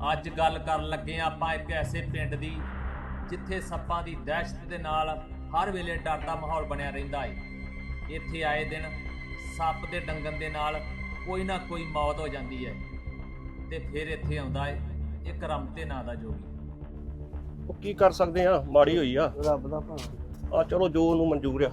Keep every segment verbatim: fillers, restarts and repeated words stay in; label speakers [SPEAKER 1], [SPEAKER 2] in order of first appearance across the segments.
[SPEAKER 1] ਅੱਜ ਗੱਲ ਕਰਨ ਲੱਗੇ ਆ ਆਪਾਂ ਇੱਕ ਐਸੇ ਪਿੰਡ ਦੀ ਜਿੱਥੇ ਸੱਪਾਂ ਦੀ ਦਹਿਸ਼ਤ ਦੇ ਨਾਲ ਹਰ ਵੇਲੇ ਡਰ ਦਾ ਮਾਹੌਲ ਬਣਿਆ ਰਹਿੰਦਾ ਏ। ਇੱਥੇ ਆਏ ਦਿਨ ਸੱਪ ਦੇ ਡੰਗਣ ਦੇ ਨਾਲ ਕੋਈ ਨਾ ਕੋਈ ਮੌਤ ਹੋ ਜਾਂਦੀ ਹੈ ਤੇ ਫਿਰ ਇੱਥੇ ਆਉਂਦਾ ਏ ਇੱਕ ਰਮਤੇ ਨਾਂ ਦਾ ਜੋਗੀ।
[SPEAKER 2] ਉਹ ਕੀ ਕਰ ਸਕਦੇ ਆ, ਮਾੜੀ ਹੋਈ ਆ,
[SPEAKER 3] ਰੱਬ ਦਾ ਭਾਣਾ।
[SPEAKER 2] ਆ ਚਲੋ ਜੋ ਉਹਨੂੰ ਮਨਜ਼ੂਰ ਆ।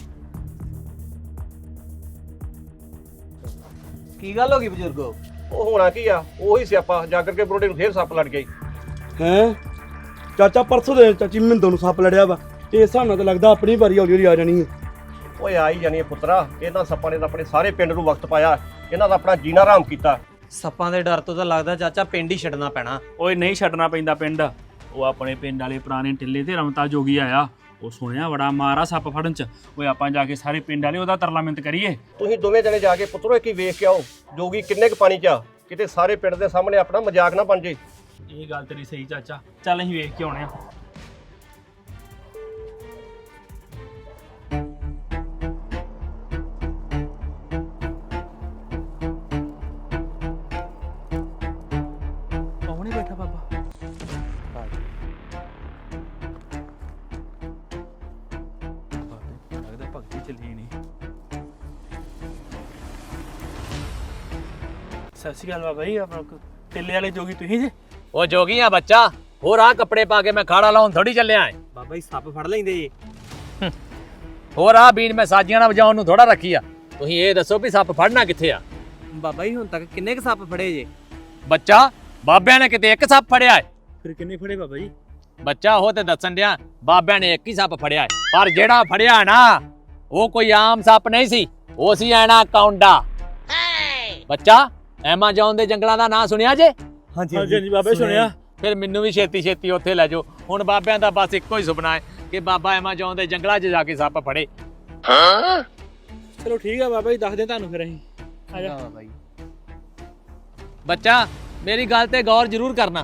[SPEAKER 3] ਕੀ ਗੱਲ ਹੋ ਗਈ ਬਜ਼ੁਰਗੋ?
[SPEAKER 2] ਉਹ ਹੋਣਾ ਕੀ ਆ, ਉਹੀ ਸਿਆਪਾ ਜਾਗਰ ਕੇ ਬਰੋਡੇ ਨੂੰ ਫੇਰ ਸੱਪ ਲੜ ਗਈ।
[SPEAKER 4] ਹੈਂ ਚਾਚਾ ਪਰਸੋਂ ਦੇ ਚਾਚੀ ਮਿੰਦੋ ਨੂੰ ਸੱਪ ਲੜਿਆ ਵਾ ਤੇ ਇਸ ਹਿਸਾਬ ਨਾਲ ਤਾਂ ਲੱਗਦਾ ਆਪਣੀ ਵਾਰੀ ਹੌਲੀ ਹੌਲੀ ਆ ਜਾਣੀ ਹੈ।
[SPEAKER 2] ਓਏ ਆ ਹੀ ਜਾਣੀ ਪੁੱਤਰਾ, ਇਹਨਾਂ ਸੱਪਾਂ ਨੇ ਤਾਂ ਆਪਣੇ ਸਾਰੇ ਪਿੰਡ ਨੂੰ ਵਕਤ ਪਾਇਆ, ਇਹਨਾਂ ਦਾ ਆਪਣਾ ਜੀਣਾ ਹਰਾਮ ਕੀਤਾ।
[SPEAKER 3] ਸੱਪਾਂ ਦੇ ਡਰ ਤੋਂ ਤਾਂ ਲੱਗਦਾ ਚਾਚਾ ਪਿੰਡ ਹੀ ਛੱਡਣਾ ਪੈਣਾ।
[SPEAKER 5] ਓਏ ਨਹੀਂ ਛੱਡਣਾ ਪੈਂਦਾ ਪਿੰਡ। ਉਹ ਆਪਣੇ ਪਿੰਡ ਵਾਲੇ ਪੁਰਾਣੇ ਟਿੱਲੇ ਤੇ ਰਮਤਾ ਜੋਗੀ ਆਇਆ, ਉਹ ਸੁਣਿਆ ਬੜਾ ਮਾਰਾ ਸੱਪ ਫੜਨ ਚ। ਓਏ ਆਪਾਂ ਜਾ ਕੇ ਸਾਰੇ ਪਿੰਡ ਵਾਲੇ ਉਹਦਾ ਤਰਲਾਮਿੰਤ ਕਰੀਏ।
[SPEAKER 2] ਤੁਸੀਂ ਦੋਵੇਂ ਜਣੇ ਜਾ ਕੇ ਪੁੱਤਰੋ ਇੱਕ ਹੀ ਵੇਖ ਕੇ ਆਓ ਜੋਗੀ ਕਿੰਨੇ ਕੁ ਪਾਣੀ 'ਚ ਆ, ਕਿਤੇ ਸਾਰੇ ਪਿੰਡ ਦੇ ਸਾਹਮਣੇ ਆਪਣਾ ਮਜ਼ਾਕ ਨਾ ਬਣ ਜੇ।
[SPEAKER 5] ਇਹ ਗੱਲ ਤੇਰੀ ਸਹੀ ਚਾਚਾ, ਚੱਲ ਅਸੀਂ ਵੇਖ ਕੇ ਆਉਣੇ ਆ। ਕੌਣ ਬੈਠਾ ਬਾਬਾ? ਲੱਗਦਾ ਭਗਤੀ ਚੱਲੀ ਨਹੀਂ। ਸਤਿ ਸ਼੍ਰੀ ਅਕਾਲ ਬਾਬਾ ਜੀ, ਆਪਣਾ ਟਿੱਲੇ ਵਾਲੇ ਜੋਗੀ ਤੁਸੀਂ ਜੇ?
[SPEAKER 1] ਉਹ ਜੋਗੀ ਆ ਬੱਚਾ, ਹੋਰ ਆ ਕੱਪੜੇ ਪਾ ਕੇ ਮੈਂ ਖਾੜਾ ਲਾਉਣ ਥੋੜੀ ਚੱਲਿਆ ਏ।
[SPEAKER 3] ਬਾਬਾ ਜੀ ਸੱਪ ਫੜ ਲੈਂਦੇ ਜੀ।
[SPEAKER 1] ਹੋਰ ਆ ਬੀਨ ਮੈਂ ਸਾਜੀਆਂ ਨਾਲ ਵਜਾਉਣ ਨੂੰ ਥੋੜਾ ਰੱਖੀ ਆ। ਤੁਸੀਂ ਇਹ ਦੱਸੋ ਵੀ ਸੱਪ ਫੜਨਾ ਕਿੱਥੇ ਆ?
[SPEAKER 3] ਬਾਬਾ ਜੀ ਹੁਣ ਤੱਕ ਕਿੰਨੇ ਕ ਸੱਪ ਫੜੇ ਜੇ?
[SPEAKER 1] ਬੱਚਾ ਬਾਬਿਆਂ ਨੇ ਕਿਤੇ ਇੱਕ ਸੱਪ ਫੜਿਆ ਏ?
[SPEAKER 5] ਫਿਰ ਕਿੰਨੇ ਫੜੇ ਬਾਬਾ ਜੀ?
[SPEAKER 1] ਬੱਚਾ ਉਹ ਤੇ ਦੱਸਣ ਡਿਆ ਬਾਬਿਆਂ ਨੇ ਇੱਕ ਹੀ ਸੱਪ ਫੜਿਆ ਏ, ਪਰ ਜਿਹੜਾ ਫੜਿਆ ਨਾ ਉਹ ਕੋਈ ਆਮ ਸੱਪ ਨਹੀਂ ਸੀ, ਉਹ ਸੀ ਐਨਾ ਕੌਂਡਾ। ਬੱਚਾ ਐਮਾਜ਼ੋਨ ਦੇ ਜੰਗਲਾਂ ਦਾ ਨਾਂ ਸੁਣਿਆ ਜੇ?
[SPEAKER 5] ਹਾਂਜੀ ਹਾਂਜੀ ਬਾਬਾ ਸੁਣਿਆ।
[SPEAKER 1] ਫਿਰ ਮੈਨੂੰ ਵੀ ਛੇਤੀ ਛੇਤੀ ਉੱਥੇ ਲੈ ਜਾਓ। ਹੁਣ ਬਾਬਿਆਂ ਦਾ ਬਸ ਇੱਕੋ ਹੀ ਸੁਪਨਾ ਹੈ ਕਿ ਬਾਬਾ ਐਮਾਜ਼ੋਨ ਦੇ ਜੰਗਲਾਂ 'ਚ ਜਾ ਕੇ ਸੱਪ ਫੜੇ।
[SPEAKER 5] ਚਲੋ ਠੀਕ ਆ ਬਾਬਾ ਜੀ, ਦੱਸ ਦੇ ਤੁਹਾਨੂੰ ਫਿਰ ਅਸੀਂ। ਆ ਜਾ
[SPEAKER 3] ਬਾਬਾ ਜੀ।
[SPEAKER 1] ਬੱਚਾ ਮੇਰੀ ਗੱਲ ਤੇ ਗੌਰ ਜ਼ਰੂਰ ਕਰਨਾ।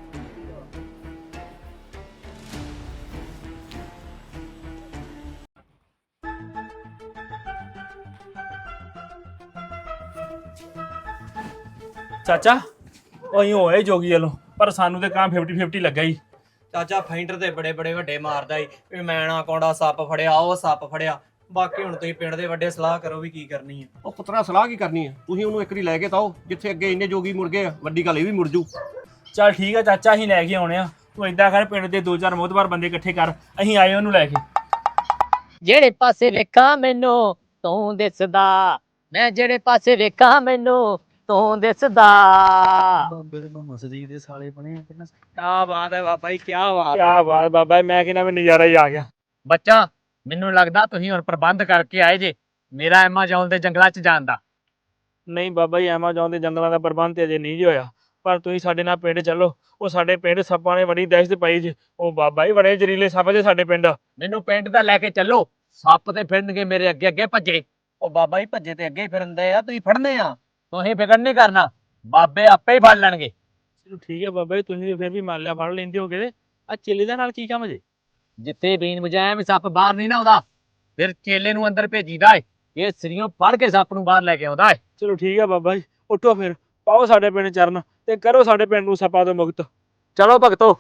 [SPEAKER 5] ਚਾਚਾ ਉਹ ਅਸੀਂ ਹੋਏ ਜੋਗੀ ਵੱਲੋਂ, ਪਰ ਸਾਨੂੰ ਤੇ ਕਾਂ ਫਿਫਟੀ ਫਿਫਟੀ ਲੱਗਾ ਹੀ।
[SPEAKER 3] ਚਾਚਾ ਫਾਈਂਡਰ ਤੇ ਬੜੇ ਬੜੇ ਵੱਡੇ ਮਾਰਦਾ ਈ ਵੀ ਮੈਂ ਨਾ ਕੌਂਡਾ ਸੱਪ ਫੜਿਆ, ਉਹ ਸੱਪ ਫੜਿਆ। ਬਾਕੀ ਹੁਣ ਤੁਸੀਂ ਪਿੰਡ ਦੇ ਵੱਡੇ ਸਲਾਹ ਕਰੋ ਵੀ ਕੀ ਕਰਨੀ ਹੈ।
[SPEAKER 2] ਉਹ ਪੁੱਤਰਾ ਸਲਾਹ ਕੀ ਕਰਨੀ ਆ, ਤੁਸੀਂ ਉਹਨੂੰ ਇੱਕ ਵਾਰੀ ਲੈ ਕੇ ਤਾਓ, ਜਿੱਥੇ ਅੱਗੇ ਇੰਨੇ ਜੋਗੀ ਮੁੜ ਗਏ ਆ, ਵੱਡੀ ਗੱਲ ਇਹ ਵੀ ਮੁੜ ਜੂ।
[SPEAKER 5] ਚੱਲ ਠੀਕ ਆ ਚਾਚਾ, ਅਸੀਂ ਲੈ ਕੇ ਆਉਣੇ ਆ। ਤੂੰ ਏਦਾਂ ਕਰ, ਪਿੰਡ ਦੇ ਦੋ ਚਾਰ ਮੋਹਤਬਾਰ ਬੰਦੇ ਇਕੱਠੇ ਕਰ, ਅਸੀਂ ਆਏ ਉਹਨੂੰ ਲੈ ਕੇ।
[SPEAKER 6] ਜਿਹੜੇ ਪਾਸੇ ਵੇਖਾਂ ਮੈਨੂੰ ਤੂੰ ਦਿਸਦਾ, ਮੈਂ ਜਿਹੜੇ ਪਾਸੇ ਵੇਖਾਂ ਮੈਨੂੰ ਤੂੰ ਦਿਸਦਾ।
[SPEAKER 5] ਬਾਬੇ ਦੇ ਮਸਜਿਦ ਦੇ ਸਾਲੇ ਬਣੇ ਆ ਕਿੰਨਾ।
[SPEAKER 3] ਕਿਆ ਬਾਤ ਹੈ ਬਾਬਾ ਜੀ, ਕਿਆ ਬਾਤ।
[SPEAKER 5] ਕੀ ਬਾਤ ਬਾਬਾ, ਮੈਂ ਕਹਿੰਦਾ ਮੈਂ ਨਜ਼ਾਰਾ ਹੀ ਆ ਗਿਆ।
[SPEAKER 1] ਬੱਚਾ ਮੈਨੂੰ ਲੱਗਦਾ ਤੁਸੀਂ ਹੁਣ ਪ੍ਰਬੰਧ ਕਰਕੇ ਆਏ ਜੇ ਮੇਰਾ ਐਮਾਜ਼ੋਨ ਦੇ ਜੰਗਲਾਂ 'ਚ ਜਾਣ ਦਾ।
[SPEAKER 5] ਨਹੀਂ ਬਾਬਾ ਜੀ, ਐਮਾਜ਼ੋਨ ਦੇ ਜੰਗਲਾਂ ਦਾ ਪ੍ਰਬੰਧ ਤੇ ਅਜੇ ਨਹੀਂ ਜੀ ਹੋਇਆ, ਪਰ ਤੁਸੀਂ ਸਾਡੇ ਨਾਲ ਪਿੰਡ ਚੱਲੋ। ਉਹ ਸਾਡੇ ਪਿੰਡ ਸੱਪਾਂ ਨੇ ਬੜੀ ਦਹਿਸ਼ਤ ਪਾਈ ਜੀ। ਉਹ ਬਾਬਾ ਜੀ ਬੜੇ ਜ਼ਰੀਲੇ ਸੱਪ ਜੇ ਸਾਡੇ ਪਿੰਡ।
[SPEAKER 1] ਮੈਨੂੰ ਪਿੰਡ ਦਾ ਲੈ ਕੇ ਚੱਲੋ, ਸੱਪ ਤੇ ਫਿਰਨਗੇ ਮੇਰੇ ਅੱਗੇ ਅੱਗੇ ਭੱਜੇ।
[SPEAKER 3] ਉਹ ਬਾਬਾ ਜੀ ਭੱਜੇ ਤੇ ਅੱਗੇ ਹੀ ਫਿਰਨਦੇ ਆ, ਤੁਸੀਂ ਫੜਨੇ ਆ।
[SPEAKER 1] ਤੁਸੀਂ ਫਿਕਰ ਨਹੀਂ ਕਰਨਾ, ਬਾਬੇ ਆਪੇ ਹੀ ਫੜ ਲੈਣਗੇ।
[SPEAKER 5] ਚਲੋ ਠੀਕ ਹੈ ਬਾਬਾ ਜੀ, ਤੁਸੀਂ ਫਿਰ ਵੀ ਮੰਨ ਲਿਆ ਫੜ ਲੈਂਦੇ ਹੋਗੇ। ਆ ਚੇਲੇ ਦੇ ਨਾਲ ਕੀ ਕੰਮ ਜੇ?
[SPEAKER 1] ਜਿੱਥੇ ਬੀਨ ਵਜਾਇਆ ਵੀ ਸੱਪ ਬਾਹਰ ਨਹੀਂ ਨਾ ਆਉਂਦਾ, ਫਿਰ ਚੇਲੇ ਨੂੰ ਅੰਦਰ ਭੇਜੀਦਾ ਏ। ਇਹ ਸਰੀਓਂ ਫੜ ਕੇ ਸੱਪ ਨੂੰ ਬਾਹਰ ਲੈ ਕੇ ਆਉਂਦਾ ਏ।
[SPEAKER 5] ਚਲੋ ਠੀਕ ਹੈ ਬਾਬਾ ਜੀ, ਉੱਠੋ ਫਿਰ, ਪਾਓ ਸਾਡੇ ਪਿੰਡ ਚਰਨ ਤੇ ਕਰੋ ਸਾਡੇ ਪਿੰਡ ਨੂੰ ਸੱਪਾਂ ਤੋਂ ਮੁਕਤ।
[SPEAKER 1] ਚਲੋ ਭਗਤੋ।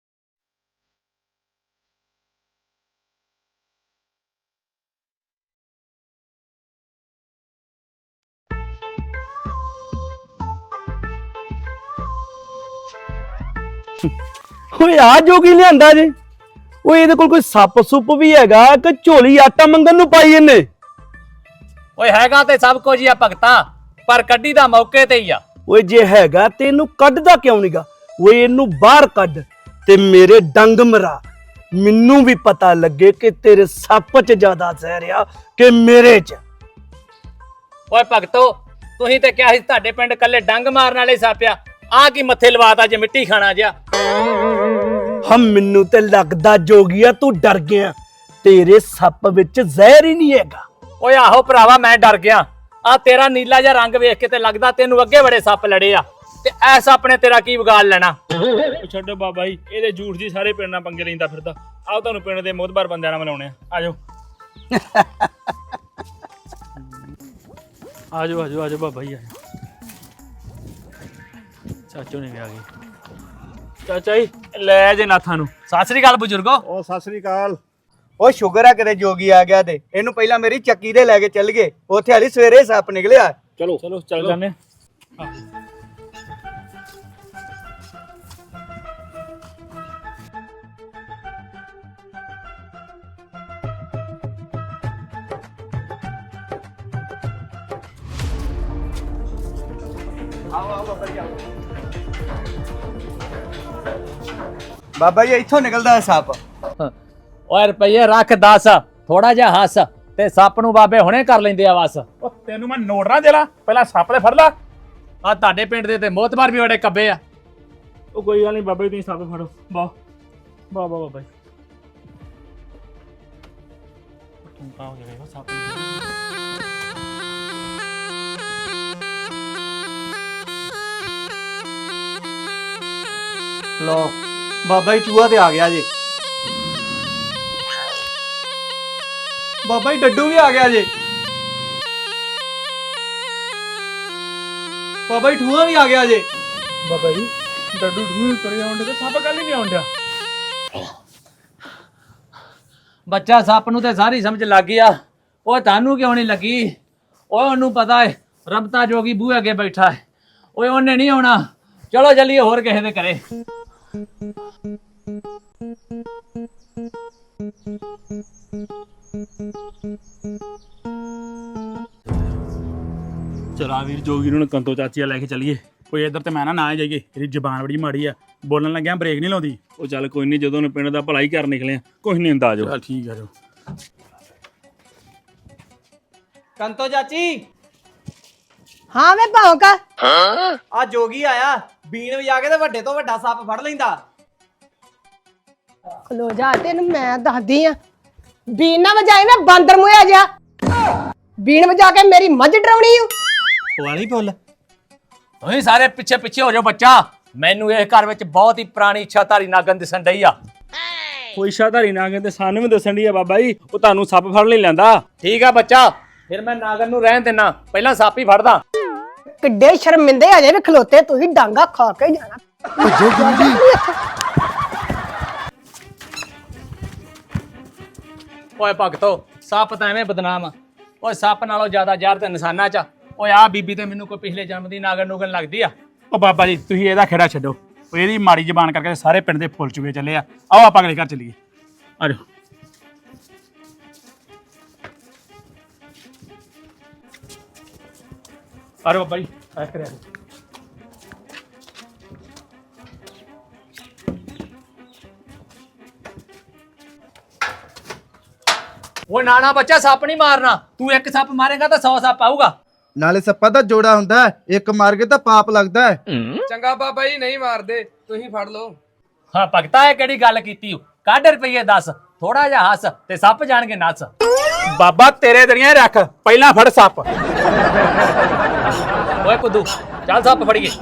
[SPEAKER 4] ਓਏ ਆ ਜੋਗੀ ਲਿਆਂਦਾ ਜੇ? ਓਏ ਇਹਦੇ ਕੋਲ ਕੋਈ ਸੱਪ ਸੁੱਪ ਵੀ ਹੈਗਾ ਕਿ ਝੋਲੀ ਆਟਾ ਮੰਗਣ ਨੂੰ ਪਾਈ ਇਹਨੇ?
[SPEAKER 1] ਓਏ ਹੈਗਾ ਤੇ ਸਭ ਕੁਝ ਹੀ ਆ ਭਗਤਾ, ਪਰ ਕੱਢੀ ਦਾ ਮੌਕੇ ਤੇ ਹੀ ਆ।
[SPEAKER 4] ਓਏ ਜੇ ਹੈਗਾ ਤੇ ਇਹਨੂੰ ਕੱਢਦਾ ਕਿਉਂ ਨਹੀਂਗਾ? ਓਏ ਇਹਨੂੰ ਬਾਹਰ ਕੱਢ ਤੇ ਮੇਰੇ ਡੰਗ ਮਰਾ, ਮੈਨੂੰ ਵੀ ਪਤਾ ਲੱਗੇ ਕਿ ਤੇਰੇ ਸੱਪ 'ਚ ਜ਼ਿਆਦਾ ਜ਼ਹਿਰ ਆ ਕਿ ਮੇਰੇ 'ਚ।
[SPEAKER 1] ਓਏ ਭਗਤੋ ਤੁਸੀਂ ਤੇ ਕਿਹਾ ਸੀ ਤੁਹਾਡੇ ਪਿੰਡ ਕੱਲੇ ਡੰਗ ਮਾਰਨ ਵਾਲੇ ਸੱਪ ਆ, ਆ ਕੀ ਮੱਥੇ ਲਵਾਤਾ ਜੇ ਮਿੱਟੀ ਖਾਣਾ ਜਿਆ।
[SPEAKER 4] ਹਮ ਮੈਨੂੰ ਤੇ ਲੱਗਦਾ ਜੋਗੀਆ ਤੂੰ ਡਰ ਗਿਆ, ਤੇਰੇ ਸੱਪ ਵਿੱਚ ਜ਼ਹਿਰ ਹੀ ਨਹੀਂ ਹੈਗਾ।
[SPEAKER 1] ਓਏ ਆਹੋ ਭਰਾਵਾ ਮੈਂ ਡਰ ਗਿਆ, ਆ ਤੇਰਾ ਨੀਲਾ ਜਿਹਾ ਰੰਗ ਵੇਖ ਕੇ ਤੇ ਲੱਗਦਾ ਤੈਨੂੰ ਅੱਗੇ ਬੜੇ ਸੱਪ ਲੜੇ ਆ, ਤੇ ਐ ਸੱਪ ਨੇ ਤੇਰਾ ਕੀ ਵਿਗਾੜ ਲੈਣਾ।
[SPEAKER 5] ਉਹ ਛੱਡੋ ਬਾਬਾ ਜੀ, ਇਹਦੇ ਝੂਠ ਦੀ ਸਾਰੇ ਪਿੰਡ ਨਾਲ ਪੰਗੇ ਲੈਂਦਾ ਫਿਰਦਾ। ਆਓ ਤੁਹਾਨੂੰ ਪਿੰਡ ਦੇ ਮੋਹਤਬਾਰ ਬੰਦਿਆਂ ਨਾਲ ਮਿਲਾਉਣੇ ਆ, ਆਜੋ ਆਜੋ ਆਜੋ ਆਜੋ ਬਾਬਾ ਜੀ ਆਜੋ। ਚਾਚੋ ਨੇ ਵੀ ਆ ਗਏ। ਚਾਚਾ ਜੀ ਲੈ ਜੇ ਨਾਥਾਂ ਨੂੰ।
[SPEAKER 1] ਸਤਿ ਸ੍ਰੀ ਅਕਾਲ ਬਜ਼ੁਰਗੋ।
[SPEAKER 2] ਉਹ ਸਤਿ ਸ੍ਰੀ ਅਕਾਲ।
[SPEAKER 7] ਉਹ ਸ਼ੁਗਰ ਆ ਕਿਤੇ ਜੋਗੀ ਆ ਗਿਆ ਤੇ ਇਹਨੂੰ ਪਹਿਲਾਂ ਮੇਰੀ ਚੱਕੀ ਦੇ ਲੈ ਕੇ ਚੱਲ ਗਏ, ਉੱਥੇ ਹਾਲੀ ਸਵੇਰੇ ਸੱਪ ਨਿਕਲਿਆ।
[SPEAKER 2] ਚਲੋ
[SPEAKER 5] ਚਲੋ ਚੱਲ ਜਾਂਦੇ।
[SPEAKER 7] ਬਾਬਾ ਜੀ ਇੱਥੋਂ ਨਿਕਲਦਾ ਹੈ ਸੱਪ।
[SPEAKER 1] ਓਏ ਰੁਪਈਏ ਰੱਖ ਦਸ, ਥੋੜਾ ਜਿਹਾ ਹੱਸ ਤੇ ਸੱਪ ਨੂੰ ਬਾਬੇ ਹੁਣੇ ਕਰ ਲੈਂਦੇ ਆ ਬਸ।
[SPEAKER 5] ਉਹ ਤੈਨੂੰ ਮੈਂ ਨੋਟ ਨਾ ਦੇਲਾ, ਪਹਿਲਾਂ ਸੱਪ ਤੇ ਫੜ ਲਾ।
[SPEAKER 1] ਆ ਤੁਹਾਡੇ ਪਿੰਡ ਦੇ ਤੇ ਮੋਤਬਾਰ ਵੀ ਬੜੇ ਕੱਬੇ ਆ।
[SPEAKER 5] ਉਹ ਕੋਈ ਗੱਲ ਨਹੀਂ ਬਾਬਾ ਜੀ, ਤੁਸੀਂ ਸੱਪ ਫੜੋ। ਵਾਹ ਵਾਹ ਵਾਹ ਬਾਬਾ ਜੀ। ਤੂੰ ਕਾ ਹੋ ਜਾਏਗਾ ਸੱਪ
[SPEAKER 7] ਲੋ ਬਾਬਾ ਜੀ ਚੂਹਾ ਤੇ ਆ ਗਿਆ ਜੀ। ਬਾਬਾ ਜੀ ਡੱਡੂ ਵੀ ਆ ਗਿਆ ਜੀ। ਬਾਬਾ ਜੀ ਠੂਆ ਵੀ ਆ ਗਿਆ ਜੀ।
[SPEAKER 5] ਬਾਬਾ ਜੀ ਡੱਡੂ ਢੂਹ ਕਰੀ ਆਉਂਦੇ ਤੇ ਸੱਪ ਕੱਲ ਹੀ ਨਹੀਂ ਆਉਂਦਾ।
[SPEAKER 1] ਬੱਚਾ ਸੱਪ ਨੂੰ ਤੇ ਸਾਰੀ ਸਮਝ ਲੱਗ ਗਈ ਆ, ਉਹ ਤੁਹਾਨੂੰ ਕਿਉਂ ਨਹੀਂ ਲੱਗੀ? ਓਏ ਉਹਨੂੰ ਪਤਾ ਹੈ ਰਮਤਾ ਜੋਗੀ ਬੂਹੇ ਅੱਗੇ ਬੈਠਾ ਹੈ, ਓਏ ਉਹਨੇ ਨਹੀਂ ਆਉਣਾ। ਚਲੋ ਚੱਲੀਏ ਹੋਰ ਕਿਸੇ ਦੇ ਘਰੇ।
[SPEAKER 5] ਚਲਾ ਵੀਰ ਜੋਗੀ ਨੂੰ ਕੰਤੋ ਚਾਚੀਆ ਲੈ ਕੇ ਚੱਲੀਏ। ਕੋਈ ਇੱਧਰ ਤੇ ਮੈਂ ਨਾ ਨਾ ਜਾਈਏ, ਇਹਦੀ ਜ਼ਬਾਨ ਬੜੀ ਮਾੜੀ ਆ, ਬੋਲਣ ਲੱਗਿਆ ਬ੍ਰੇਕ ਨਹੀਂ ਲਾਉਂਦੀ। ਉਹ ਚੱਲ ਕੋਈ ਨਹੀਂ, ਜਦੋਂ ਨੂੰ ਪਿੰਡ ਦਾ ਭਲਾ ਹੀ ਕਰ ਨਿਕਲੇ ਆ, ਕੁਝ ਨਹੀਂ ਹੁੰਦਾ। ਜੋ ਚੱਲ ਠੀਕ ਆ ਜੋ।
[SPEAKER 3] ਕੰਤੋ ਚਾਚੀ
[SPEAKER 8] ਹਾਂ ਵੇ ਭੌਂਕਾ,
[SPEAKER 3] ਆ ਜੋਗੀ ਆਇਆ, ਬੀਨ ਵਜਾ ਕੇ ਤੇ ਵੱਡੇ ਤੋਂ ਵੱਡਾ ਸੱਪ ਫੜ ਲੈਂਦਾ।
[SPEAKER 8] ਖਲੋ ਜਾ, ਤੈਨੂੰ ਮੈਂ ਦੱਸਦੀ ਆ। ਬੀਨ ਨਾ ਵਜਾਈ ਮੈਂ ਬਾਂਦਰ ਮੂੰਹਿਆ ਜਾ। ਬੀਨ ਵਜਾ ਕੇ ਮੇਰੀ ਮੱਝ ਡਰਾਉਣੀ ਓ।
[SPEAKER 3] ਵਾਲੀ ਬੋਲ।
[SPEAKER 1] ਤੁਸੀਂ ਸਾਰੇ ਪਿੱਛੇ ਪਿੱਛੇ ਹੋ ਜਾਓ ਬੱਚਾ। ਮੈਨੂੰ ਇਹ ਘਰ ਵਿੱਚ ਬਹੁਤ ਹੀ ਪੁਰਾਣੀ ਇੱਛਾਧਾਰੀ ਨਾਗਨ ਦਿਸਣ ਡਈ ਆ।
[SPEAKER 5] ਕੋਈ ਇਸ਼ਾਧਾਰੀ ਨਾ ਕਹਿੰਦੇ ਸਾਨੂੰ ਵੀ ਦੱਸਣ ਦੀ ਆ ਬਾਬਾ ਜੀ, ਉਹ ਤੁਹਾਨੂੰ ਸੱਪ ਫੜ ਨਹੀਂ ਲੈਂਦਾ।
[SPEAKER 1] ਠੀਕ ਆ ਬੱਚਾ, ਫਿਰ ਮੈਂ ਨਾਗਨ ਨੂੰ ਰਹਿਣ ਦੇਣਾ, ਪਹਿਲਾਂ ਸੱਪ ਹੀ ਫੜਦਾ।
[SPEAKER 8] ਕਿੱਡੇ ਸ਼ਰਮਿੰਦੇ ਅਜੇ ਵੀ ਖਲੋਤੇ, ਤੁਸੀਂ ਡਾਂਗਾ ਖਾ ਕੇ ਜਾਣਾ।
[SPEAKER 1] ਓਏ ਭਗਤੋ, ਸੱਪ ਤਾਂ ਐਵੇਂ ਬਦਨਾਮ ਆ। ਓਏ ਸੱਪ ਨਾਲੋਂ ਜ਼ਿਆਦਾ ਜ਼ਹਿਰ ਤੇ ਇਨਸਾਨਾਂ 'ਚ ਆ। ਓਏ ਆ ਬੀਬੀ ਤੇ ਮੈਨੂੰ ਕੋਈ ਪਿਛਲੇ ਜਨਮ ਦੀ ਨਾਗਨ ਨੂਗਨ ਲੱਗਦੀ ਆ।
[SPEAKER 5] ਉਹ ਬਾਬਾ ਜੀ ਤੁਸੀਂ ਇਹਦਾ ਖੇੜਾ ਛੱਡੋ, ਉਹ ਇਹਦੀ ਮਾੜੀ ਜ਼ਬਾਨ ਕਰਕੇ ਸਾਰੇ ਪਿੰਡ ਦੇ ਫੁੱਲ ਚੁਗੇ ਚੱਲੇ ਆ। ਆਓ ਆਪਾਂ ਅਗਲੇ ਘਰ ਚੱਲੀਏ, ਆ ਜਾਓ। ਅਰੇ ਬਾਬਾ ਜੀ ਆ ਕਰਿਆ।
[SPEAKER 1] ਓਏ ਨਾਨਾ ਬੱਚਾ, ਸੱਪ ਨਹੀਂ ਮਾਰਨਾ। ਤੂੰ ਇੱਕ ਸੱਪ ਮਾਰੇਗਾ ਤਾਂ ਸੌ ਸੱਪ ਆਊਗਾ।
[SPEAKER 9] ਨਾਲੇ ਸੱਪਾਂ ਦਾ ਜੋੜਾ ਹੁੰਦਾ ਹੈ, ਇੱਕ ਮਾਰ ਕੇ ਤਾਂ ਪਾਪ ਲੱਗਦਾ ਹੈ।
[SPEAKER 10] ਚੰਗਾ ਬਾਬਾ ਜੀ, ਨਹੀਂ ਮਾਰਦੇ, ਤੁਸੀਂ ਫੜ ਲਓ।
[SPEAKER 1] ਹਾਂ ਭਗਤਾ, ਇਹ ਕਿਹੜੀ ਗੱਲ ਕੀਤੀ? ਕੱਢ ਰੁਪਈਏ ਦਸ, ਥੋੜਾ ਜਿਹਾ ਹੱਸ ਤੇ ਸੱਪ ਜਾਣਗੇ ਨੱਸ।
[SPEAKER 5] ਬਾਬਾ ਤੇਰੇ ਦਰੀਆਂ ਰੱਖ, ਪਹਿਲਾਂ ਫੜ ਸੱਪ।
[SPEAKER 1] ਓਏ ਕੁੱਦੂ, ਚੱਲ ਸੱਪ ਫੜੀਏ।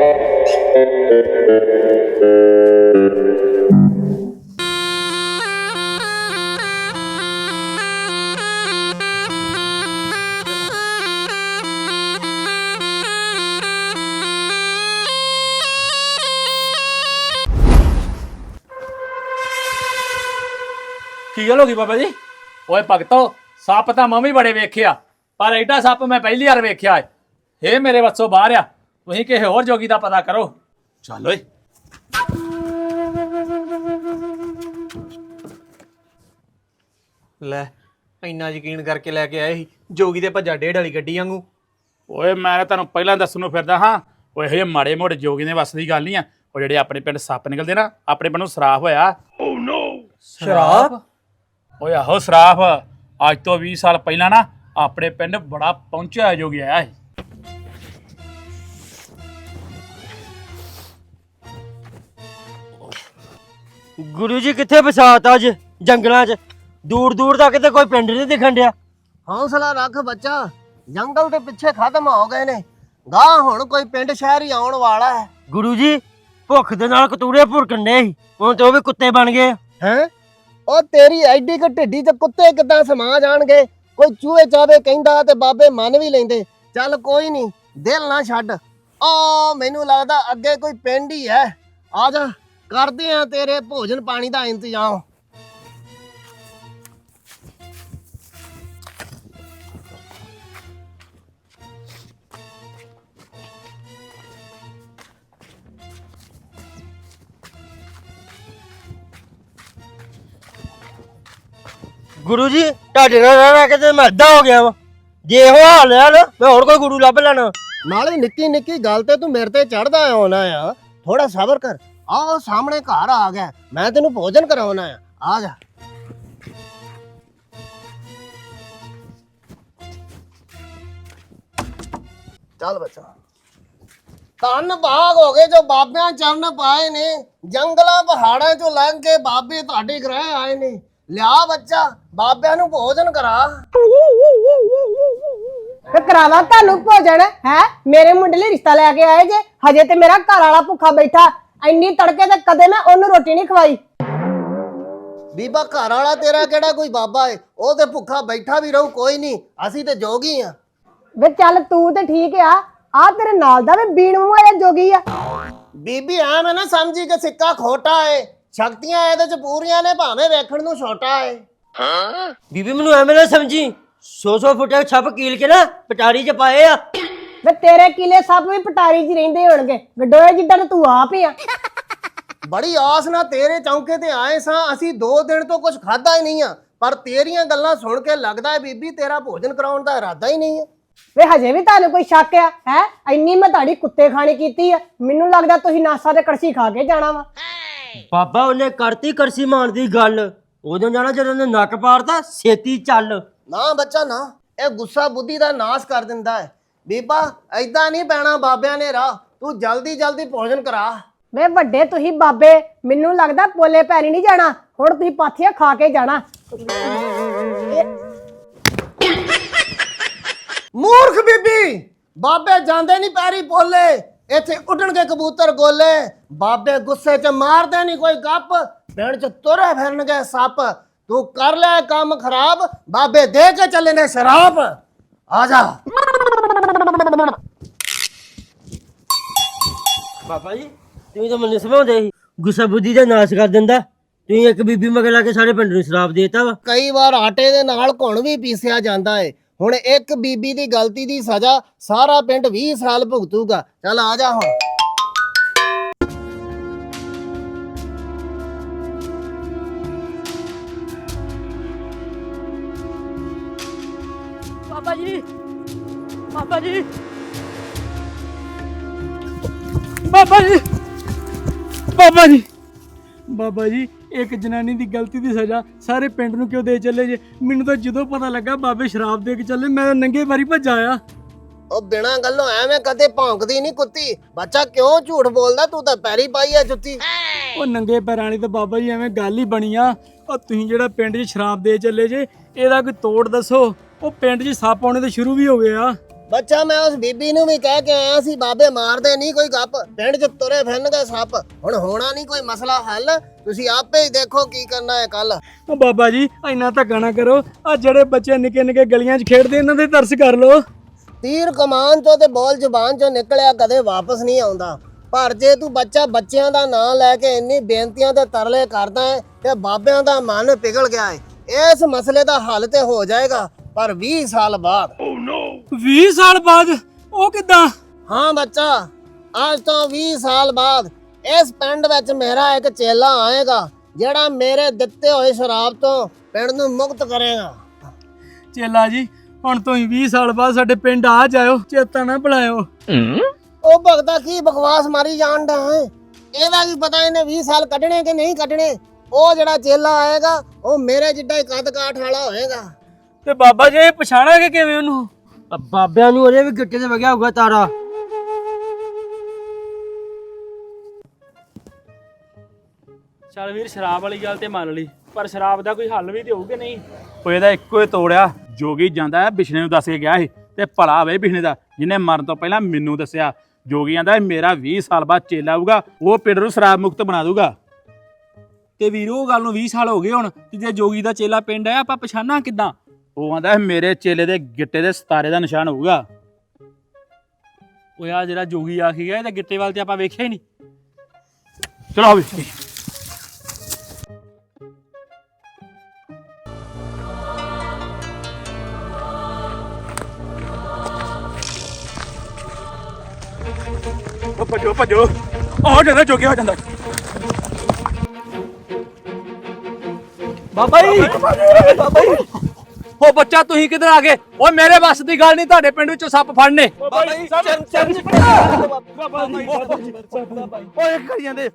[SPEAKER 5] ਕੀ ਗੱਲ ਹੋ ਗਈ ਬਾਬਾ ਜੀ?
[SPEAKER 1] ਓਏ ਭਗਤੋ, ਸੱਪ ਤਾਂ ਮੈਂ ਵੀ ਬੜੇ ਵੇਖਿਆ, ਪਰ ਐਡਾ ਸੱਪ ਮੈਂ ਪਹਿਲੀ ਵਾਰ ਵੇਖਿਆ ਹੈ। ਇਹ ਮੇਰੇ ਵੱਸੋਂ ਬਾਹਰ ਆ। ਤੁਸੀਂ ਕਿਸੇ ਹੋਰ ਜੋਗੀ ਦਾ ਪਤਾ ਕਰੋ।
[SPEAKER 5] ਚੱਲ ਓਏ।
[SPEAKER 3] ਲੈ ਇੰਨਾ ਯਕੀਨ ਕਰਕੇ ਲੈ ਕੇ ਆਏ ਸੀ ਜੋਗੀ ਦੇ ਭੱਜਾ ਡੇਢ ਵਾਲੀ ਗੱਡੀ ਵਾਂਗੂ।
[SPEAKER 5] ਓਏ ਮੈਂ ਤੁਹਾਨੂੰ ਪਹਿਲਾਂ ਦੱਸਣ ਨੂੰ ਫਿਰਦਾ ਹਾਂ, ਉਹ ਇਹੋ ਜਿਹੇ ਮਾੜੇ ਮੋੜੇ ਜੋਗੀ ਦੇ ਵੱਸ ਦੀ ਗੱਲ ਨਹੀਂ ਆ। ਉਹ ਜਿਹੜੇ ਆਪਣੇ ਪਿੰਡ ਸੱਪ ਨਿਕਲਦੇ ਨਾ, ਆਪਣੇ ਪਿੰਡ ਨੂੰ ਸਰਾਫ ਹੋਇਆ। ਓ ਨੋ,
[SPEAKER 3] ਸ਼ਰਾਬ?
[SPEAKER 5] ਓਏ ਆਹੋ ਸਰਾਫ। ਅੱਜ ਤੋਂ ਵੀਹ ਸਾਲ ਪਹਿਲਾਂ ਨਾ ਆਪਣੇ ਪਿੰਡ ਬੜਾ ਪਹੁੰਚਿਆ ਜੋਗੀ ਆਇਆ ਸੀ।
[SPEAKER 11] ਗੁਰੂ ਜੀ ਕਿੱਥੇ ਬਸਾਤ ਅੱਜ ਜੰਗਲਾਂ 'ਚ? ਦੂਰ ਦੂਰ ਤੱਕ ਤੇ ਕੋਈ ਪਿੰਡ ਨਹੀਂ ਦਿਖਣ ਡਿਆ।
[SPEAKER 7] ਹੌਸਲਾ ਰੱਖ ਬੱਚਾ, ਜੰਗਲ ਦੇ ਪਿੱਛੇ ਖਤਮ ਹੋ ਗਏ ਨੇ। ਗਾਂ ਹੁਣ ਕੋਈ ਪਿੰਡ ਸ਼ਹਿਰ ਹੀ ਆਉਣ ਵਾਲਾ ਹੈ।
[SPEAKER 11] ਗੁਰੂ ਜੀ ਭੁੱਖ ਦੇ ਨਾਲ ਕਤੂਰੇ ਭੁਰਕਣ ਡੇ ਸੀ, ਹੁਣ ਤੇ ਉਹ ਵੀ ਕੁੱਤੇ ਬਣ ਗਏ।
[SPEAKER 7] ਹੈ ਉਹ ਤੇਰੀ ਐਡੀ ਕ ਢਿੱਡੀ ਤੇ ਕੁੱਤੇ ਕਿੱਦਾਂ ਸਮਾ ਜਾਣਗੇ? ਕੋਈ ਚੂਹੇ ਚਾਵੇ ਕਹਿੰਦਾ ਤੇ ਬਾਬੇ ਮੰਨ ਵੀ ਲੈਂਦੇ। ਚੱਲ ਕੋਈ ਨਹੀਂ, ਦਿਲ ਨਾ ਛੱਡ। ਓ ਮੈਨੂੰ ਲੱਗਦਾ ਅੱਗੇ ਕੋਈ ਪਿੰਡ ਹੀ ਹੈ। ਆ ਜਾ ਕਰਦੇ ਆ ਤੇਰੇ ਭੋਜਨ ਪਾਣੀ ਦਾ ਇੰਤਜ਼ਾਮ।
[SPEAKER 11] ਗੁਰੂ ਜੀ ਤੁਹਾਡੇ ਨਾਲ ਰਹਿ ਰਹਿ ਕੇ ਤੇ ਮੈਂ ਅੱਧਾ ਹੋ ਗਿਆ ਵਾ। ਜੇ ਇਹੋ ਹਾਲ ਹੈ ਨਾ ਮੈਂ ਹੋਰ ਕੋਈ ਗੁਰੂ ਲੱਭ ਲੈਣਾ।
[SPEAKER 7] ਨਾਲੇ ਨਿੱਕੀ ਨਿੱਕੀ ਗੱਲ ਤੇ ਤੂੰ ਮੇਰੇ ਤੇ ਚੜਦਾ ਆਉਣਾ ਆ, ਥੋੜਾ ਸਬਰ ਕਰ। ਆਹ ਸਾਹਮਣੇ ਘਰ ਆ ਗਿਆ, ਮੈਂ ਤੈਨੂੰ ਭੋਜਨ ਕਰਾਉਣਾ ਆ, ਆ ਜਾ। ਚੱਲ ਬੱਚਾ। ਧੰਨ ਭਾਗ ਹੋ ਗਏ ਜੋ ਬਾਬਿਆਂ ਚਰਨ ਪਾਏ ਨੇ, ਜੰਗਲਾਂ ਪਹਾੜਾਂ ਚੋਂ ਲੰਘ ਕੇ ਬਾਬੇ ਤੁਹਾਡੇ ਗ੍ਰਹਿ ਆਏ ਨੇ। ਲਿਆ ਬੱਚਾ, ਬਾਬਿਆਂ ਨੂੰ ਭੋਜਨ ਕਰਾ।
[SPEAKER 8] ਤੇ ਕਰਾਵਾ ਤੁਹਾਨੂੰ ਭੋਜਨ ਹੈ? ਮੇਰੇ ਮੁੰਡੇ ਲਈ ਰਿਸ਼ਤਾ ਲੈ ਕੇ ਆਏ ਜੇ, ਹਜੇ ਤੇ ਮੇਰਾ ਘਰ ਵਾਲਾ ਭੁੱਖਾ ਬੈਠਾ। ਇੰਨੀ ਤੜਕੇ ਤੇ ਕਦੇ ਮੈਂ ਉਹਨੂੰ ਰੋਟੀ ਨਹੀਂ ਖਵਾਈ।
[SPEAKER 7] ਬੀਬਾ ਘਰ ਵਾਲਾ ਤੇਰਾ ਕਿਹੜਾ ਕੋਈ ਬਾਬਾ ਏ, ਉਹ ਤੇ ਭੁੱਖਾ ਬੈਠਾ ਵੀ ਰਹੂ, ਕੋਈ ਨਹੀਂ, ਅਸੀਂ ਤੇ ਜੋਗੀ ਆ।
[SPEAKER 8] ਵੇ ਚੱਲ ਤੂੰ ਤੇ ਠੀਕ ਆ, ਆ ਤੇਰੇ ਨਾਲ ਦਾ ਵੀ ਬੀਣ ਮੂੰਹ ਜੋਗੀ ਆ।
[SPEAKER 7] ਬੀਬੀ ਐਵੇਂ ਨਾ ਸਮਝੀ ਕਿ ਸਿੱਕਾ ਖੋਟਾ ਏ, ਸ਼ਕਤੀਆਂ ਇਹਦੇ ਚ ਪੂਰੀਆਂ ਨੇ, ਭਾਵੇਂ ਵੇਖਣ ਨੂੰ ਛੋਟਾ ਏ।
[SPEAKER 11] ਬੀਬੀ ਮੈਨੂੰ ਐਵੇਂ ਨਾ ਸਮਝੀ, ਸੌ ਸੌ ਫੁੱਟੇ ਛੱਪ ਕੀਲ ਕੇ ਨਾ ਪਟਾਰੀ ਚ ਪਾਏ ਆ।
[SPEAKER 8] ਵੇ ਤੇਰੇ ਕਿਲੇ ਸਭ ਵੀ ਪਟਾਰੀ 'ਚ ਰਹਿੰਦੇ ਹੋਣਗੇ, ਗਡੋਏ ਜਿੱਦਾਂ ਤੂੰ ਆਪ ਹੀ ਆ।
[SPEAKER 7] ਬੜੀ ਆਸ ਨਾਲ ਤੇਰੇ ਚੌਂਕੇ ਤੇ ਆਏ ਸਾਂ, ਅਸੀਂ ਦੋ ਦਿਨ ਤੋਂ ਕੁਝ ਖਾਦਾ ਹੀ ਨਹੀਂ ਆ, ਪਰ ਤੇਰੀਆਂ ਗੱਲਾਂ ਸੁਣ ਕੇ ਲੱਗਦਾ ਹੈ ਬੀਬੀ ਤੇਰਾ ਭੋਜਨ ਕਰਾਉਣ ਦਾ ਇਰਾਦਾ ਹੀ ਨਹੀਂ ਹੈ।
[SPEAKER 8] ਵੇ ਹਜੇ ਵੀ ਤੁਹਾਨੂੰ ਕੋਈ ਸ਼ੱਕ ਆ ਹੈ? ਇੰਨੀ ਮੈਂ ਤੁਹਾਡੀ ਕੁੱਤੇ ਖਾਣੀ ਕੀਤੀ ਆ, ਮੈਨੂੰ ਲੱਗਦਾ ਤੁਸੀਂ ਨਾਸਾ ਤੇ ਕੜਛੀ ਖਾ ਕੇ ਜਾਣਾ ਵਾ।
[SPEAKER 11] ਬਾਬਾ ਉਹਨੇ ਕਰਤੀ ਕਰਸੀ ਮਾਰਨ ਦੀ ਗੱਲ, ਉਦੋਂ ਜਾਣਾ ਜਦੋਂ ਉਹਨੇ ਨੱਕ ਪਾੜਤਾ। ਛੇਤੀ ਚੱਲ।
[SPEAKER 7] ਨਾ ਬੱਚਾ ਨਾ, ਇਹ ਗੁੱਸਾ ਬੁੱਧੀ ਦਾ ਨਾਸ ਕਰ ਦਿੰਦਾ ਹੈ। ਬੀਬਾ ਐਦਾਂ ਨਹੀਂ ਪੈਣਾ ਬਾਬਿਆਂ ਨੇ ਰਾਹ, ਤੂੰ ਜਲਦੀ ਜਲਦੀ ਭੋਜਨ ਕਰਾ।
[SPEAKER 8] ਵੇ ਵੱਡੇ ਤੁਸੀਂ ਬਾਬੇ, ਮੈਨੂੰ ਲੱਗਦਾ ਪੋਲੇ ਪੈਰੀ ਨਹੀਂ ਜਾਣਾ, ਹੁਣ ਤੁਸੀਂ ਪਾਥੀਆਂ ਖਾ ਕੇ ਜਾਣਾ।
[SPEAKER 7] ਮੂਰਖ ਬੀਬੀ, ਬਾਬੇ ਜਾਂਦੇ ਨਹੀਂ ਪੈਰੀ ਪੋਲੇ, ਇੱਥੇ ਉੱਡਣਗੇ ਕਬੂਤਰ ਗੋਲੇ। ਬਾਬੇ ਗੁੱਸੇ 'ਚ ਮਾਰਦੇ ਨਹੀਂ ਕੋਈ ਗੱਪ, ਪਿੰਡ 'ਚ ਤੁਰੇ ਫਿਰਨਗੇ ਸੱਪ। ਤੂੰ ਕਰ ਲੈ ਕੰਮ ਖਰਾਬ, ਬਾਬੇ ਦੇ ਕੇ ਚੱਲੇ ਨੇ ਸ਼ਰਾਬ। ਆ ਜਾ।
[SPEAKER 11] ਬਾਬਾ ਜੀ ਤੁਸੀਂ ਤਾਂ ਮੈਨੂੰ ਸਮਝਾਉਂਦੇ ਸੀ ਗੁੱਸਾ ਬੁੱਧੀ ਦਾ ਨਾਸ਼ ਕਰ ਦਿੰਦਾ। ਤੁਸੀਂ ਇੱਕ ਬੀਬੀ ਮਗਰ ਲਾ ਕੇ ਸਾਰੇ ਪਿੰਡ ਨੂੰ ਸ਼ਰਾਬ ਦੇਤਾ ਵਾ।
[SPEAKER 7] ਕਈ ਵਾਰ ਆਟੇ ਦੇ ਨਾਲ ਘੁਣ ਵੀ ਪੀਸਿਆ ਜਾਂਦਾ ਏ। ਹੁਣ ਇੱਕ ਬੀਬੀ ਦੀ ਗਲਤੀ ਦੀ ਸਜ਼ਾ ਸਾਰਾ ਪਿੰਡ ਵੀਹ ਸਾਲ ਭੁਗਤੂਗਾ। ਚੱਲ ਆ ਜਾ ਹੁਣ।
[SPEAKER 6] ਬਾਬਾ ਜੀ, ਬਾਬਾ ਜੀ,
[SPEAKER 5] ਬਾਬਾ ਜੀ, ਬਾਬਾ ਜੀ, ਬਾਬਾ ਜੀ, ਇੱਕ ਜਨਾਨੀ ਦੀ ਗਲਤੀ ਦੀ ਸਜ਼ਾ ਸਾਰੇ ਪਿੰਡ ਨੂੰ ਕਿਉਂ ਦੇ ਚੱਲੇ ਜੇ? ਮੈਨੂੰ ਤਾਂ ਜਦੋਂ ਪਤਾ ਲੱਗਾ ਬਾਬੇ ਸ਼ਰਾਬ ਦੇ ਕੇ ਚੱਲੇ, ਮੈਂ ਨੰਗੇ ਵਾਰੀ ਭੱਜ ਆਇਆ।
[SPEAKER 7] ਉਹ ਬਿਨਾਂ ਗੱਲੋਂ ਐਵੇਂ ਕਦੇ ਭੌਂਕਦੀ ਨਹੀਂ ਕੁੱਤੀ। ਬੱਚਾ ਕਿਉਂ ਝੂਠ ਬੋਲਦਾ? ਤੂੰ ਤਾਂ ਪੈਰੀ ਪਾਈ ਆ ਜੁੱਤੀ।
[SPEAKER 5] ਉਹ ਨੰਗੇ ਪੈਰਾਂ ਵਾਲੀ ਤਾਂ ਬਾਬਾ ਜੀ ਐਵੇਂ ਗੱਲ ਹੀ ਬਣੀ ਆ। ਉਹ ਤੁਸੀਂ ਜਿਹੜਾ ਪਿੰਡ 'ਚ ਸ਼ਰਾਬ ਦੇ ਚੱਲੇ ਜੇ, ਇਹਦਾ ਕੋਈ ਤੋੜ ਦੱਸੋ। ਉਹ ਪਿੰਡ 'ਚ ਸੱਪ ਆਉਣੇ ਤਾਂ ਸ਼ੁਰੂ ਵੀ ਹੋ ਗਏ ਆ।
[SPEAKER 7] ਬੱਚਾ ਮੈਂ ਉਸ ਬੀਬੀ ਨੂੰ ਵੀ ਕਹਿ ਕੇ ਆਇਆ ਸੀ, ਬਾਬੇ ਮਾਰਦੇ ਨਹੀਂ ਕੋਈ ਗੱਪ, ਪਿੰਡ 'ਚ ਤੁਰੇ ਫਿਰਨਗੇ ਸੱਪ। ਹੁਣ ਹੋਣਾ ਨਹੀਂ ਕੋਈ ਮਸਲਾ ਹੱਲ, ਤੁਸੀਂ ਆਪੇ ਹੀ ਦੇਖੋ ਕੀ ਕਰਨਾ ਹੈ ਕੱਲ।
[SPEAKER 5] ਉਹ ਬਾਬਾ ਜੀ ਇੰਨਾ ਧੱਕਾ ਨਾ ਕਰੋ, ਆ ਜਿਹੜੇ ਬੱਚੇ ਨਿੱਕੇ ਨਿੱਕੇ ਗਲੀਆਂ 'ਚ ਖੇਡਦੇ ਇਹਨਾਂ ਦੇ ਤਰਸ ਕਰ ਲਓ।
[SPEAKER 7] ਤੀਰ ਕਮਾਨ ਚੋਂ ਤੇ ਬੋਲ ਜ਼ੁਬਾਨ ਚੋਂ ਨਿਕਲਿਆ ਕਦੇ ਵਾਪਸ ਨਹੀਂ ਆਉਂਦਾ। ਪਰ ਜੇ ਤੂੰ ਬੱਚਾ ਬੱਚਿਆਂ ਦਾ ਨਾਂ ਲੈ ਕੇ ਇੰਨੀ ਬੇਨਤੀਆਂ ਤੇ ਤਰਲੇ ਕਰਦਾ ਹੈ ਤੇ ਬਾਬਿਆਂ ਦਾ ਮਨ ਪਿਘਲ ਗਿਆ ਹੈ। ਇਸ ਮਸਲੇ ਦਾ ਹੱਲ ਤੇ ਹੋ ਜਾਏਗਾ, ਪਰ ਵੀਹ ਸਾਲ ਬਾਅਦ।
[SPEAKER 5] ਵੀਹ ਸਾਲ ਬਾਅਦ? ਉਹ ਕਿੱਦਾਂ?
[SPEAKER 7] ਹਾਂ ਬੱਚਾ, ਅੱਜ ਤੋਂ ਵੀਹ ਸਾਲ ਬਾਅਦ ਇਸ ਪਿੰਡ ਵਿੱਚ ਮੇਰਾ ਇੱਕ ਚੇਲਾ ਆਏਗਾ, ਜਿਹੜਾ ਮੇਰੇ ਦਿੱਤੇ ਹੋਏ ਸ਼ਰਾਬ ਤੋਂ ਪਿੰਡ ਨੂੰ ਮੁਕਤ ਕਰੇਗਾ।
[SPEAKER 5] ਚੇਲਾ ਜੀ, ਹੁਣ ਤੁਸੀਂ ਵੀਹ ਸਾਲ ਬਾਅਦ ਸਾਡੇ ਪਿੰਡ ਆ ਜਾਇਓ, ਚੇਤਾ ਨਾ ਭੁਲਾਇਓ।
[SPEAKER 7] ਉਹ ਭਗਤਾ ਕੀ ਬਕਵਾਸ ਮਾਰੀ ਜਾਣ ਦਾ ਹੈ? ਇਹਦਾ ਕੀ ਪਤਾ ਇਹਨੇ ਵੀਹ ਸਾਲ ਕੱਢਣੇ ਕਿ ਨਹੀਂ ਕੱਢਣੇ। ਉਹ ਜਿਹੜਾ ਚੇਲਾ ਆਏਗਾ ਉਹ ਮੇਰੇ ਜਿੱਡਾ ਹੀ ਕੱਦ ਕਾਠ ਵਾਲਾ ਹੋਏਗਾ।
[SPEAKER 5] ਤੇ ਬਾਬਾ ਜੀ ਪਛਾਣਾਂਗੇ ਕਿਵੇਂ ਉਹਨੂੰ?
[SPEAKER 11] ਬਾਬਿਆਂ ਨੂੰ ਉਹਦੇ ਵੀ ਗਿੱਟੇ ਤੇ ਵਗਿਆ ਹੋਊਗਾ ਤਾਰਾ।
[SPEAKER 5] ਚੱਲ ਵੀਰ, ਸ਼ਰਾਬ ਵਾਲੀ ਗੱਲ ਤੇ ਮੰਨ ਲਈ, ਪਰ ਸ਼ਰਾਬ ਦਾ ਕੋਈ ਹੱਲ ਵੀ ਤੇ ਹੋਊ ਕਿ ਨਹੀਂ? ਉਹ ਇਹਦਾ ਇੱਕੋ ਹੀ ਤੋੜਿਆ। ਜੋਗੀ ਜਾਂਦਾ ਹੈ ਬਿਸ਼ਨੇ ਨੂੰ ਦੱਸ ਕੇ ਗਿਆ ਸੀ, ਤੇ ਭਲਾ ਵੇ ਬਿਸ਼ਨੇ ਦਾ ਜਿਹਨੇ ਮਰਨ ਤੋਂ ਪਹਿਲਾਂ ਮੈਨੂੰ ਦੱਸਿਆ। ਜੋਗੀ ਕਹਿੰਦਾ ਮੇਰਾ ਵੀਹ ਸਾਲ ਬਾਅਦ ਚੇਲਾ ਆਊਗਾ, ਉਹ ਪਿੰਡ ਨੂੰ ਸ਼ਰਾਬ ਮੁਕਤ ਬਣਾ ਦੂਗਾ। ਤੇ ਵੀਰ ਉਹ ਗੱਲ ਨੂੰ ਵੀਹ ਸਾਲ ਹੋ ਗਏ ਹੁਣ, ਤੇ ਜੇ ਜੋਗੀ ਦਾ ਚੇਲਾ ਪਿੰਡ ਆਇਆ ਆਪਾਂ ਪਛਾਣਾ ਕਿੱਦਾਂ? ਉਹ ਕਹਿੰਦਾ ਮੇਰੇ ਚੇਲੇ ਦੇ ਗਿੱਟੇ ਦੇ ਸਤਾਰੇ ਦਾ ਨਿਸ਼ਾਨ ਹੋਊਗਾ। ਉਹ ਆ ਜਿਹੜਾ ਜੋਗੀ ਆਖੀ ਗਿਆ ਇਹਦੇ ਗਿੱਟੇ ਵੱਲ ਤੇ ਆਪਾਂ ਵੇਖਿਆ ਹੀ ਨਹੀਂ। ਚਲੋ ਆਵੇ। ਭੱਜੋ ਭੱਜੋ ਹੋ ਜਾਂਦਾ ਜੋਗੇ ਹੋ ਜਾਂਦਾ
[SPEAKER 3] ਬਾਬਾ ਜੀ ਬਾਬਾ ਜੀ
[SPEAKER 1] ਓ ਬੱਚਾ ਤੁਸੀਂ ਕਿੱਧਰ ਆ ਗਏ ਓਏ ਮੇਰੇ ਵੱਸ ਦੀ ਗੱਲ ਨਹੀਂ ਤੁਹਾਡੇ ਪਿੰਡ ਵਿੱਚੋਂ ਸੱਪ ਫੜਨੇ
[SPEAKER 3] ਬਾਬਾ ਜੀ ਚੰਨ ਚੰਨ
[SPEAKER 5] ਓਏ ਕਰੀ ਜਾਂਦੇ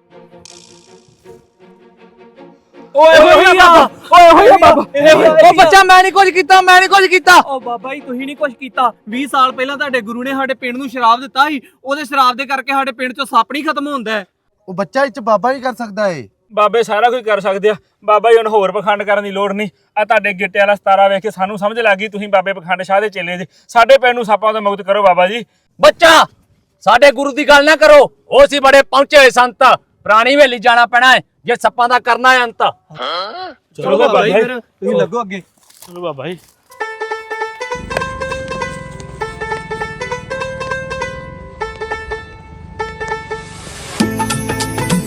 [SPEAKER 5] ਓਏ ਹੋਈ ਆ ਓਏ ਹੋਈ ਆ ਬਾਬਾ
[SPEAKER 1] ਓ ਬੱਚਾ ਮੈਂ ਨਹੀਂ ਕੁਝ ਕੀਤਾ ਮੈਂ ਨਹੀਂ ਕੁਝ ਕੀਤਾ
[SPEAKER 3] ਓ ਬਾਬਾ ਜੀ ਤੁਸੀਂ ਨਹੀਂ ਕੁਝ ਕੀਤਾ ਵੀਹ ਸਾਲ ਪਹਿਲਾਂ ਤੁਹਾਡੇ ਗੁਰੂ ਨੇ ਸਾਡੇ ਪਿੰਡ ਨੂੰ ਸ਼ਰਾਬ ਦਿੱਤਾ ਸੀ ਉਹਦੇ ਸ਼ਰਾਬ ਦੇ ਕਰਕੇ ਸਾਡੇ ਪਿੰਡ ਚੋਂ ਸੱਪ ਨਹੀਂ ਖਤਮ ਹੁੰਦਾ ਹੈ।
[SPEAKER 9] ਉਹ ਬੱਚਾ ਇੱਚ ਬਾਬਾ ਹੀ ਕਰ ਸਕਦਾ ਏ।
[SPEAKER 5] ਬਾਬੇ ਸਾਰਾ ਕੁਝ ਕਰ ਸਕਦੇ ਆ ਬਾਬਾ ਜੀ ਹੁਣ ਹੋਰ ਪਖੰਡ ਕਰਨ ਦੀ ਲੋੜ ਨਹੀਂ ਆ ਤੁਹਾਡੇ ਗਿੱਟੇ ਵਾਲਾ ਸਤਾਰਾ ਵੇਖ ਕੇ ਸਾਨੂੰ ਸਮਝ ਲੱਗ ਗਈ ਤੁਸੀਂ ਬਾਬੇ ਪਖੰਡ ਸ਼ਾਹ ਦੇ ਚੇਲੇ ਜੀ ਸਾਡੇ ਪਿੰਡ ਨੂੰ ਸੱਪਾਂ ਤੋਂ ਮੁਕਤ ਕਰੋ ਬਾਬਾ ਜੀ।
[SPEAKER 1] ਬੱਚਾ ਸਾਡੇ ਗੁਰੂ ਦੀ ਗੱਲ ਨਾ ਕਰੋ ਉਹ ਸੀ ਬੜੇ ਪਹੁੰਚੇ ਹੋਏ ਸੰਤ ਪੁਰਾਣੀ ਹਵੇਲੀ ਜਾਣਾ ਪੈਣਾ ਹੈ ਜੇ ਸੱਪਾਂ ਦਾ ਕਰਨਾ ਹੈ ਅੰਤ
[SPEAKER 3] ਚਲੋ ਬਾਬਾ ਜੀ ਫਿਰ ਤੁਸੀਂ ਲੱਗੋ ਅੱਗੇ
[SPEAKER 5] ਚਲੋ ਬਾਬਾ ਜੀ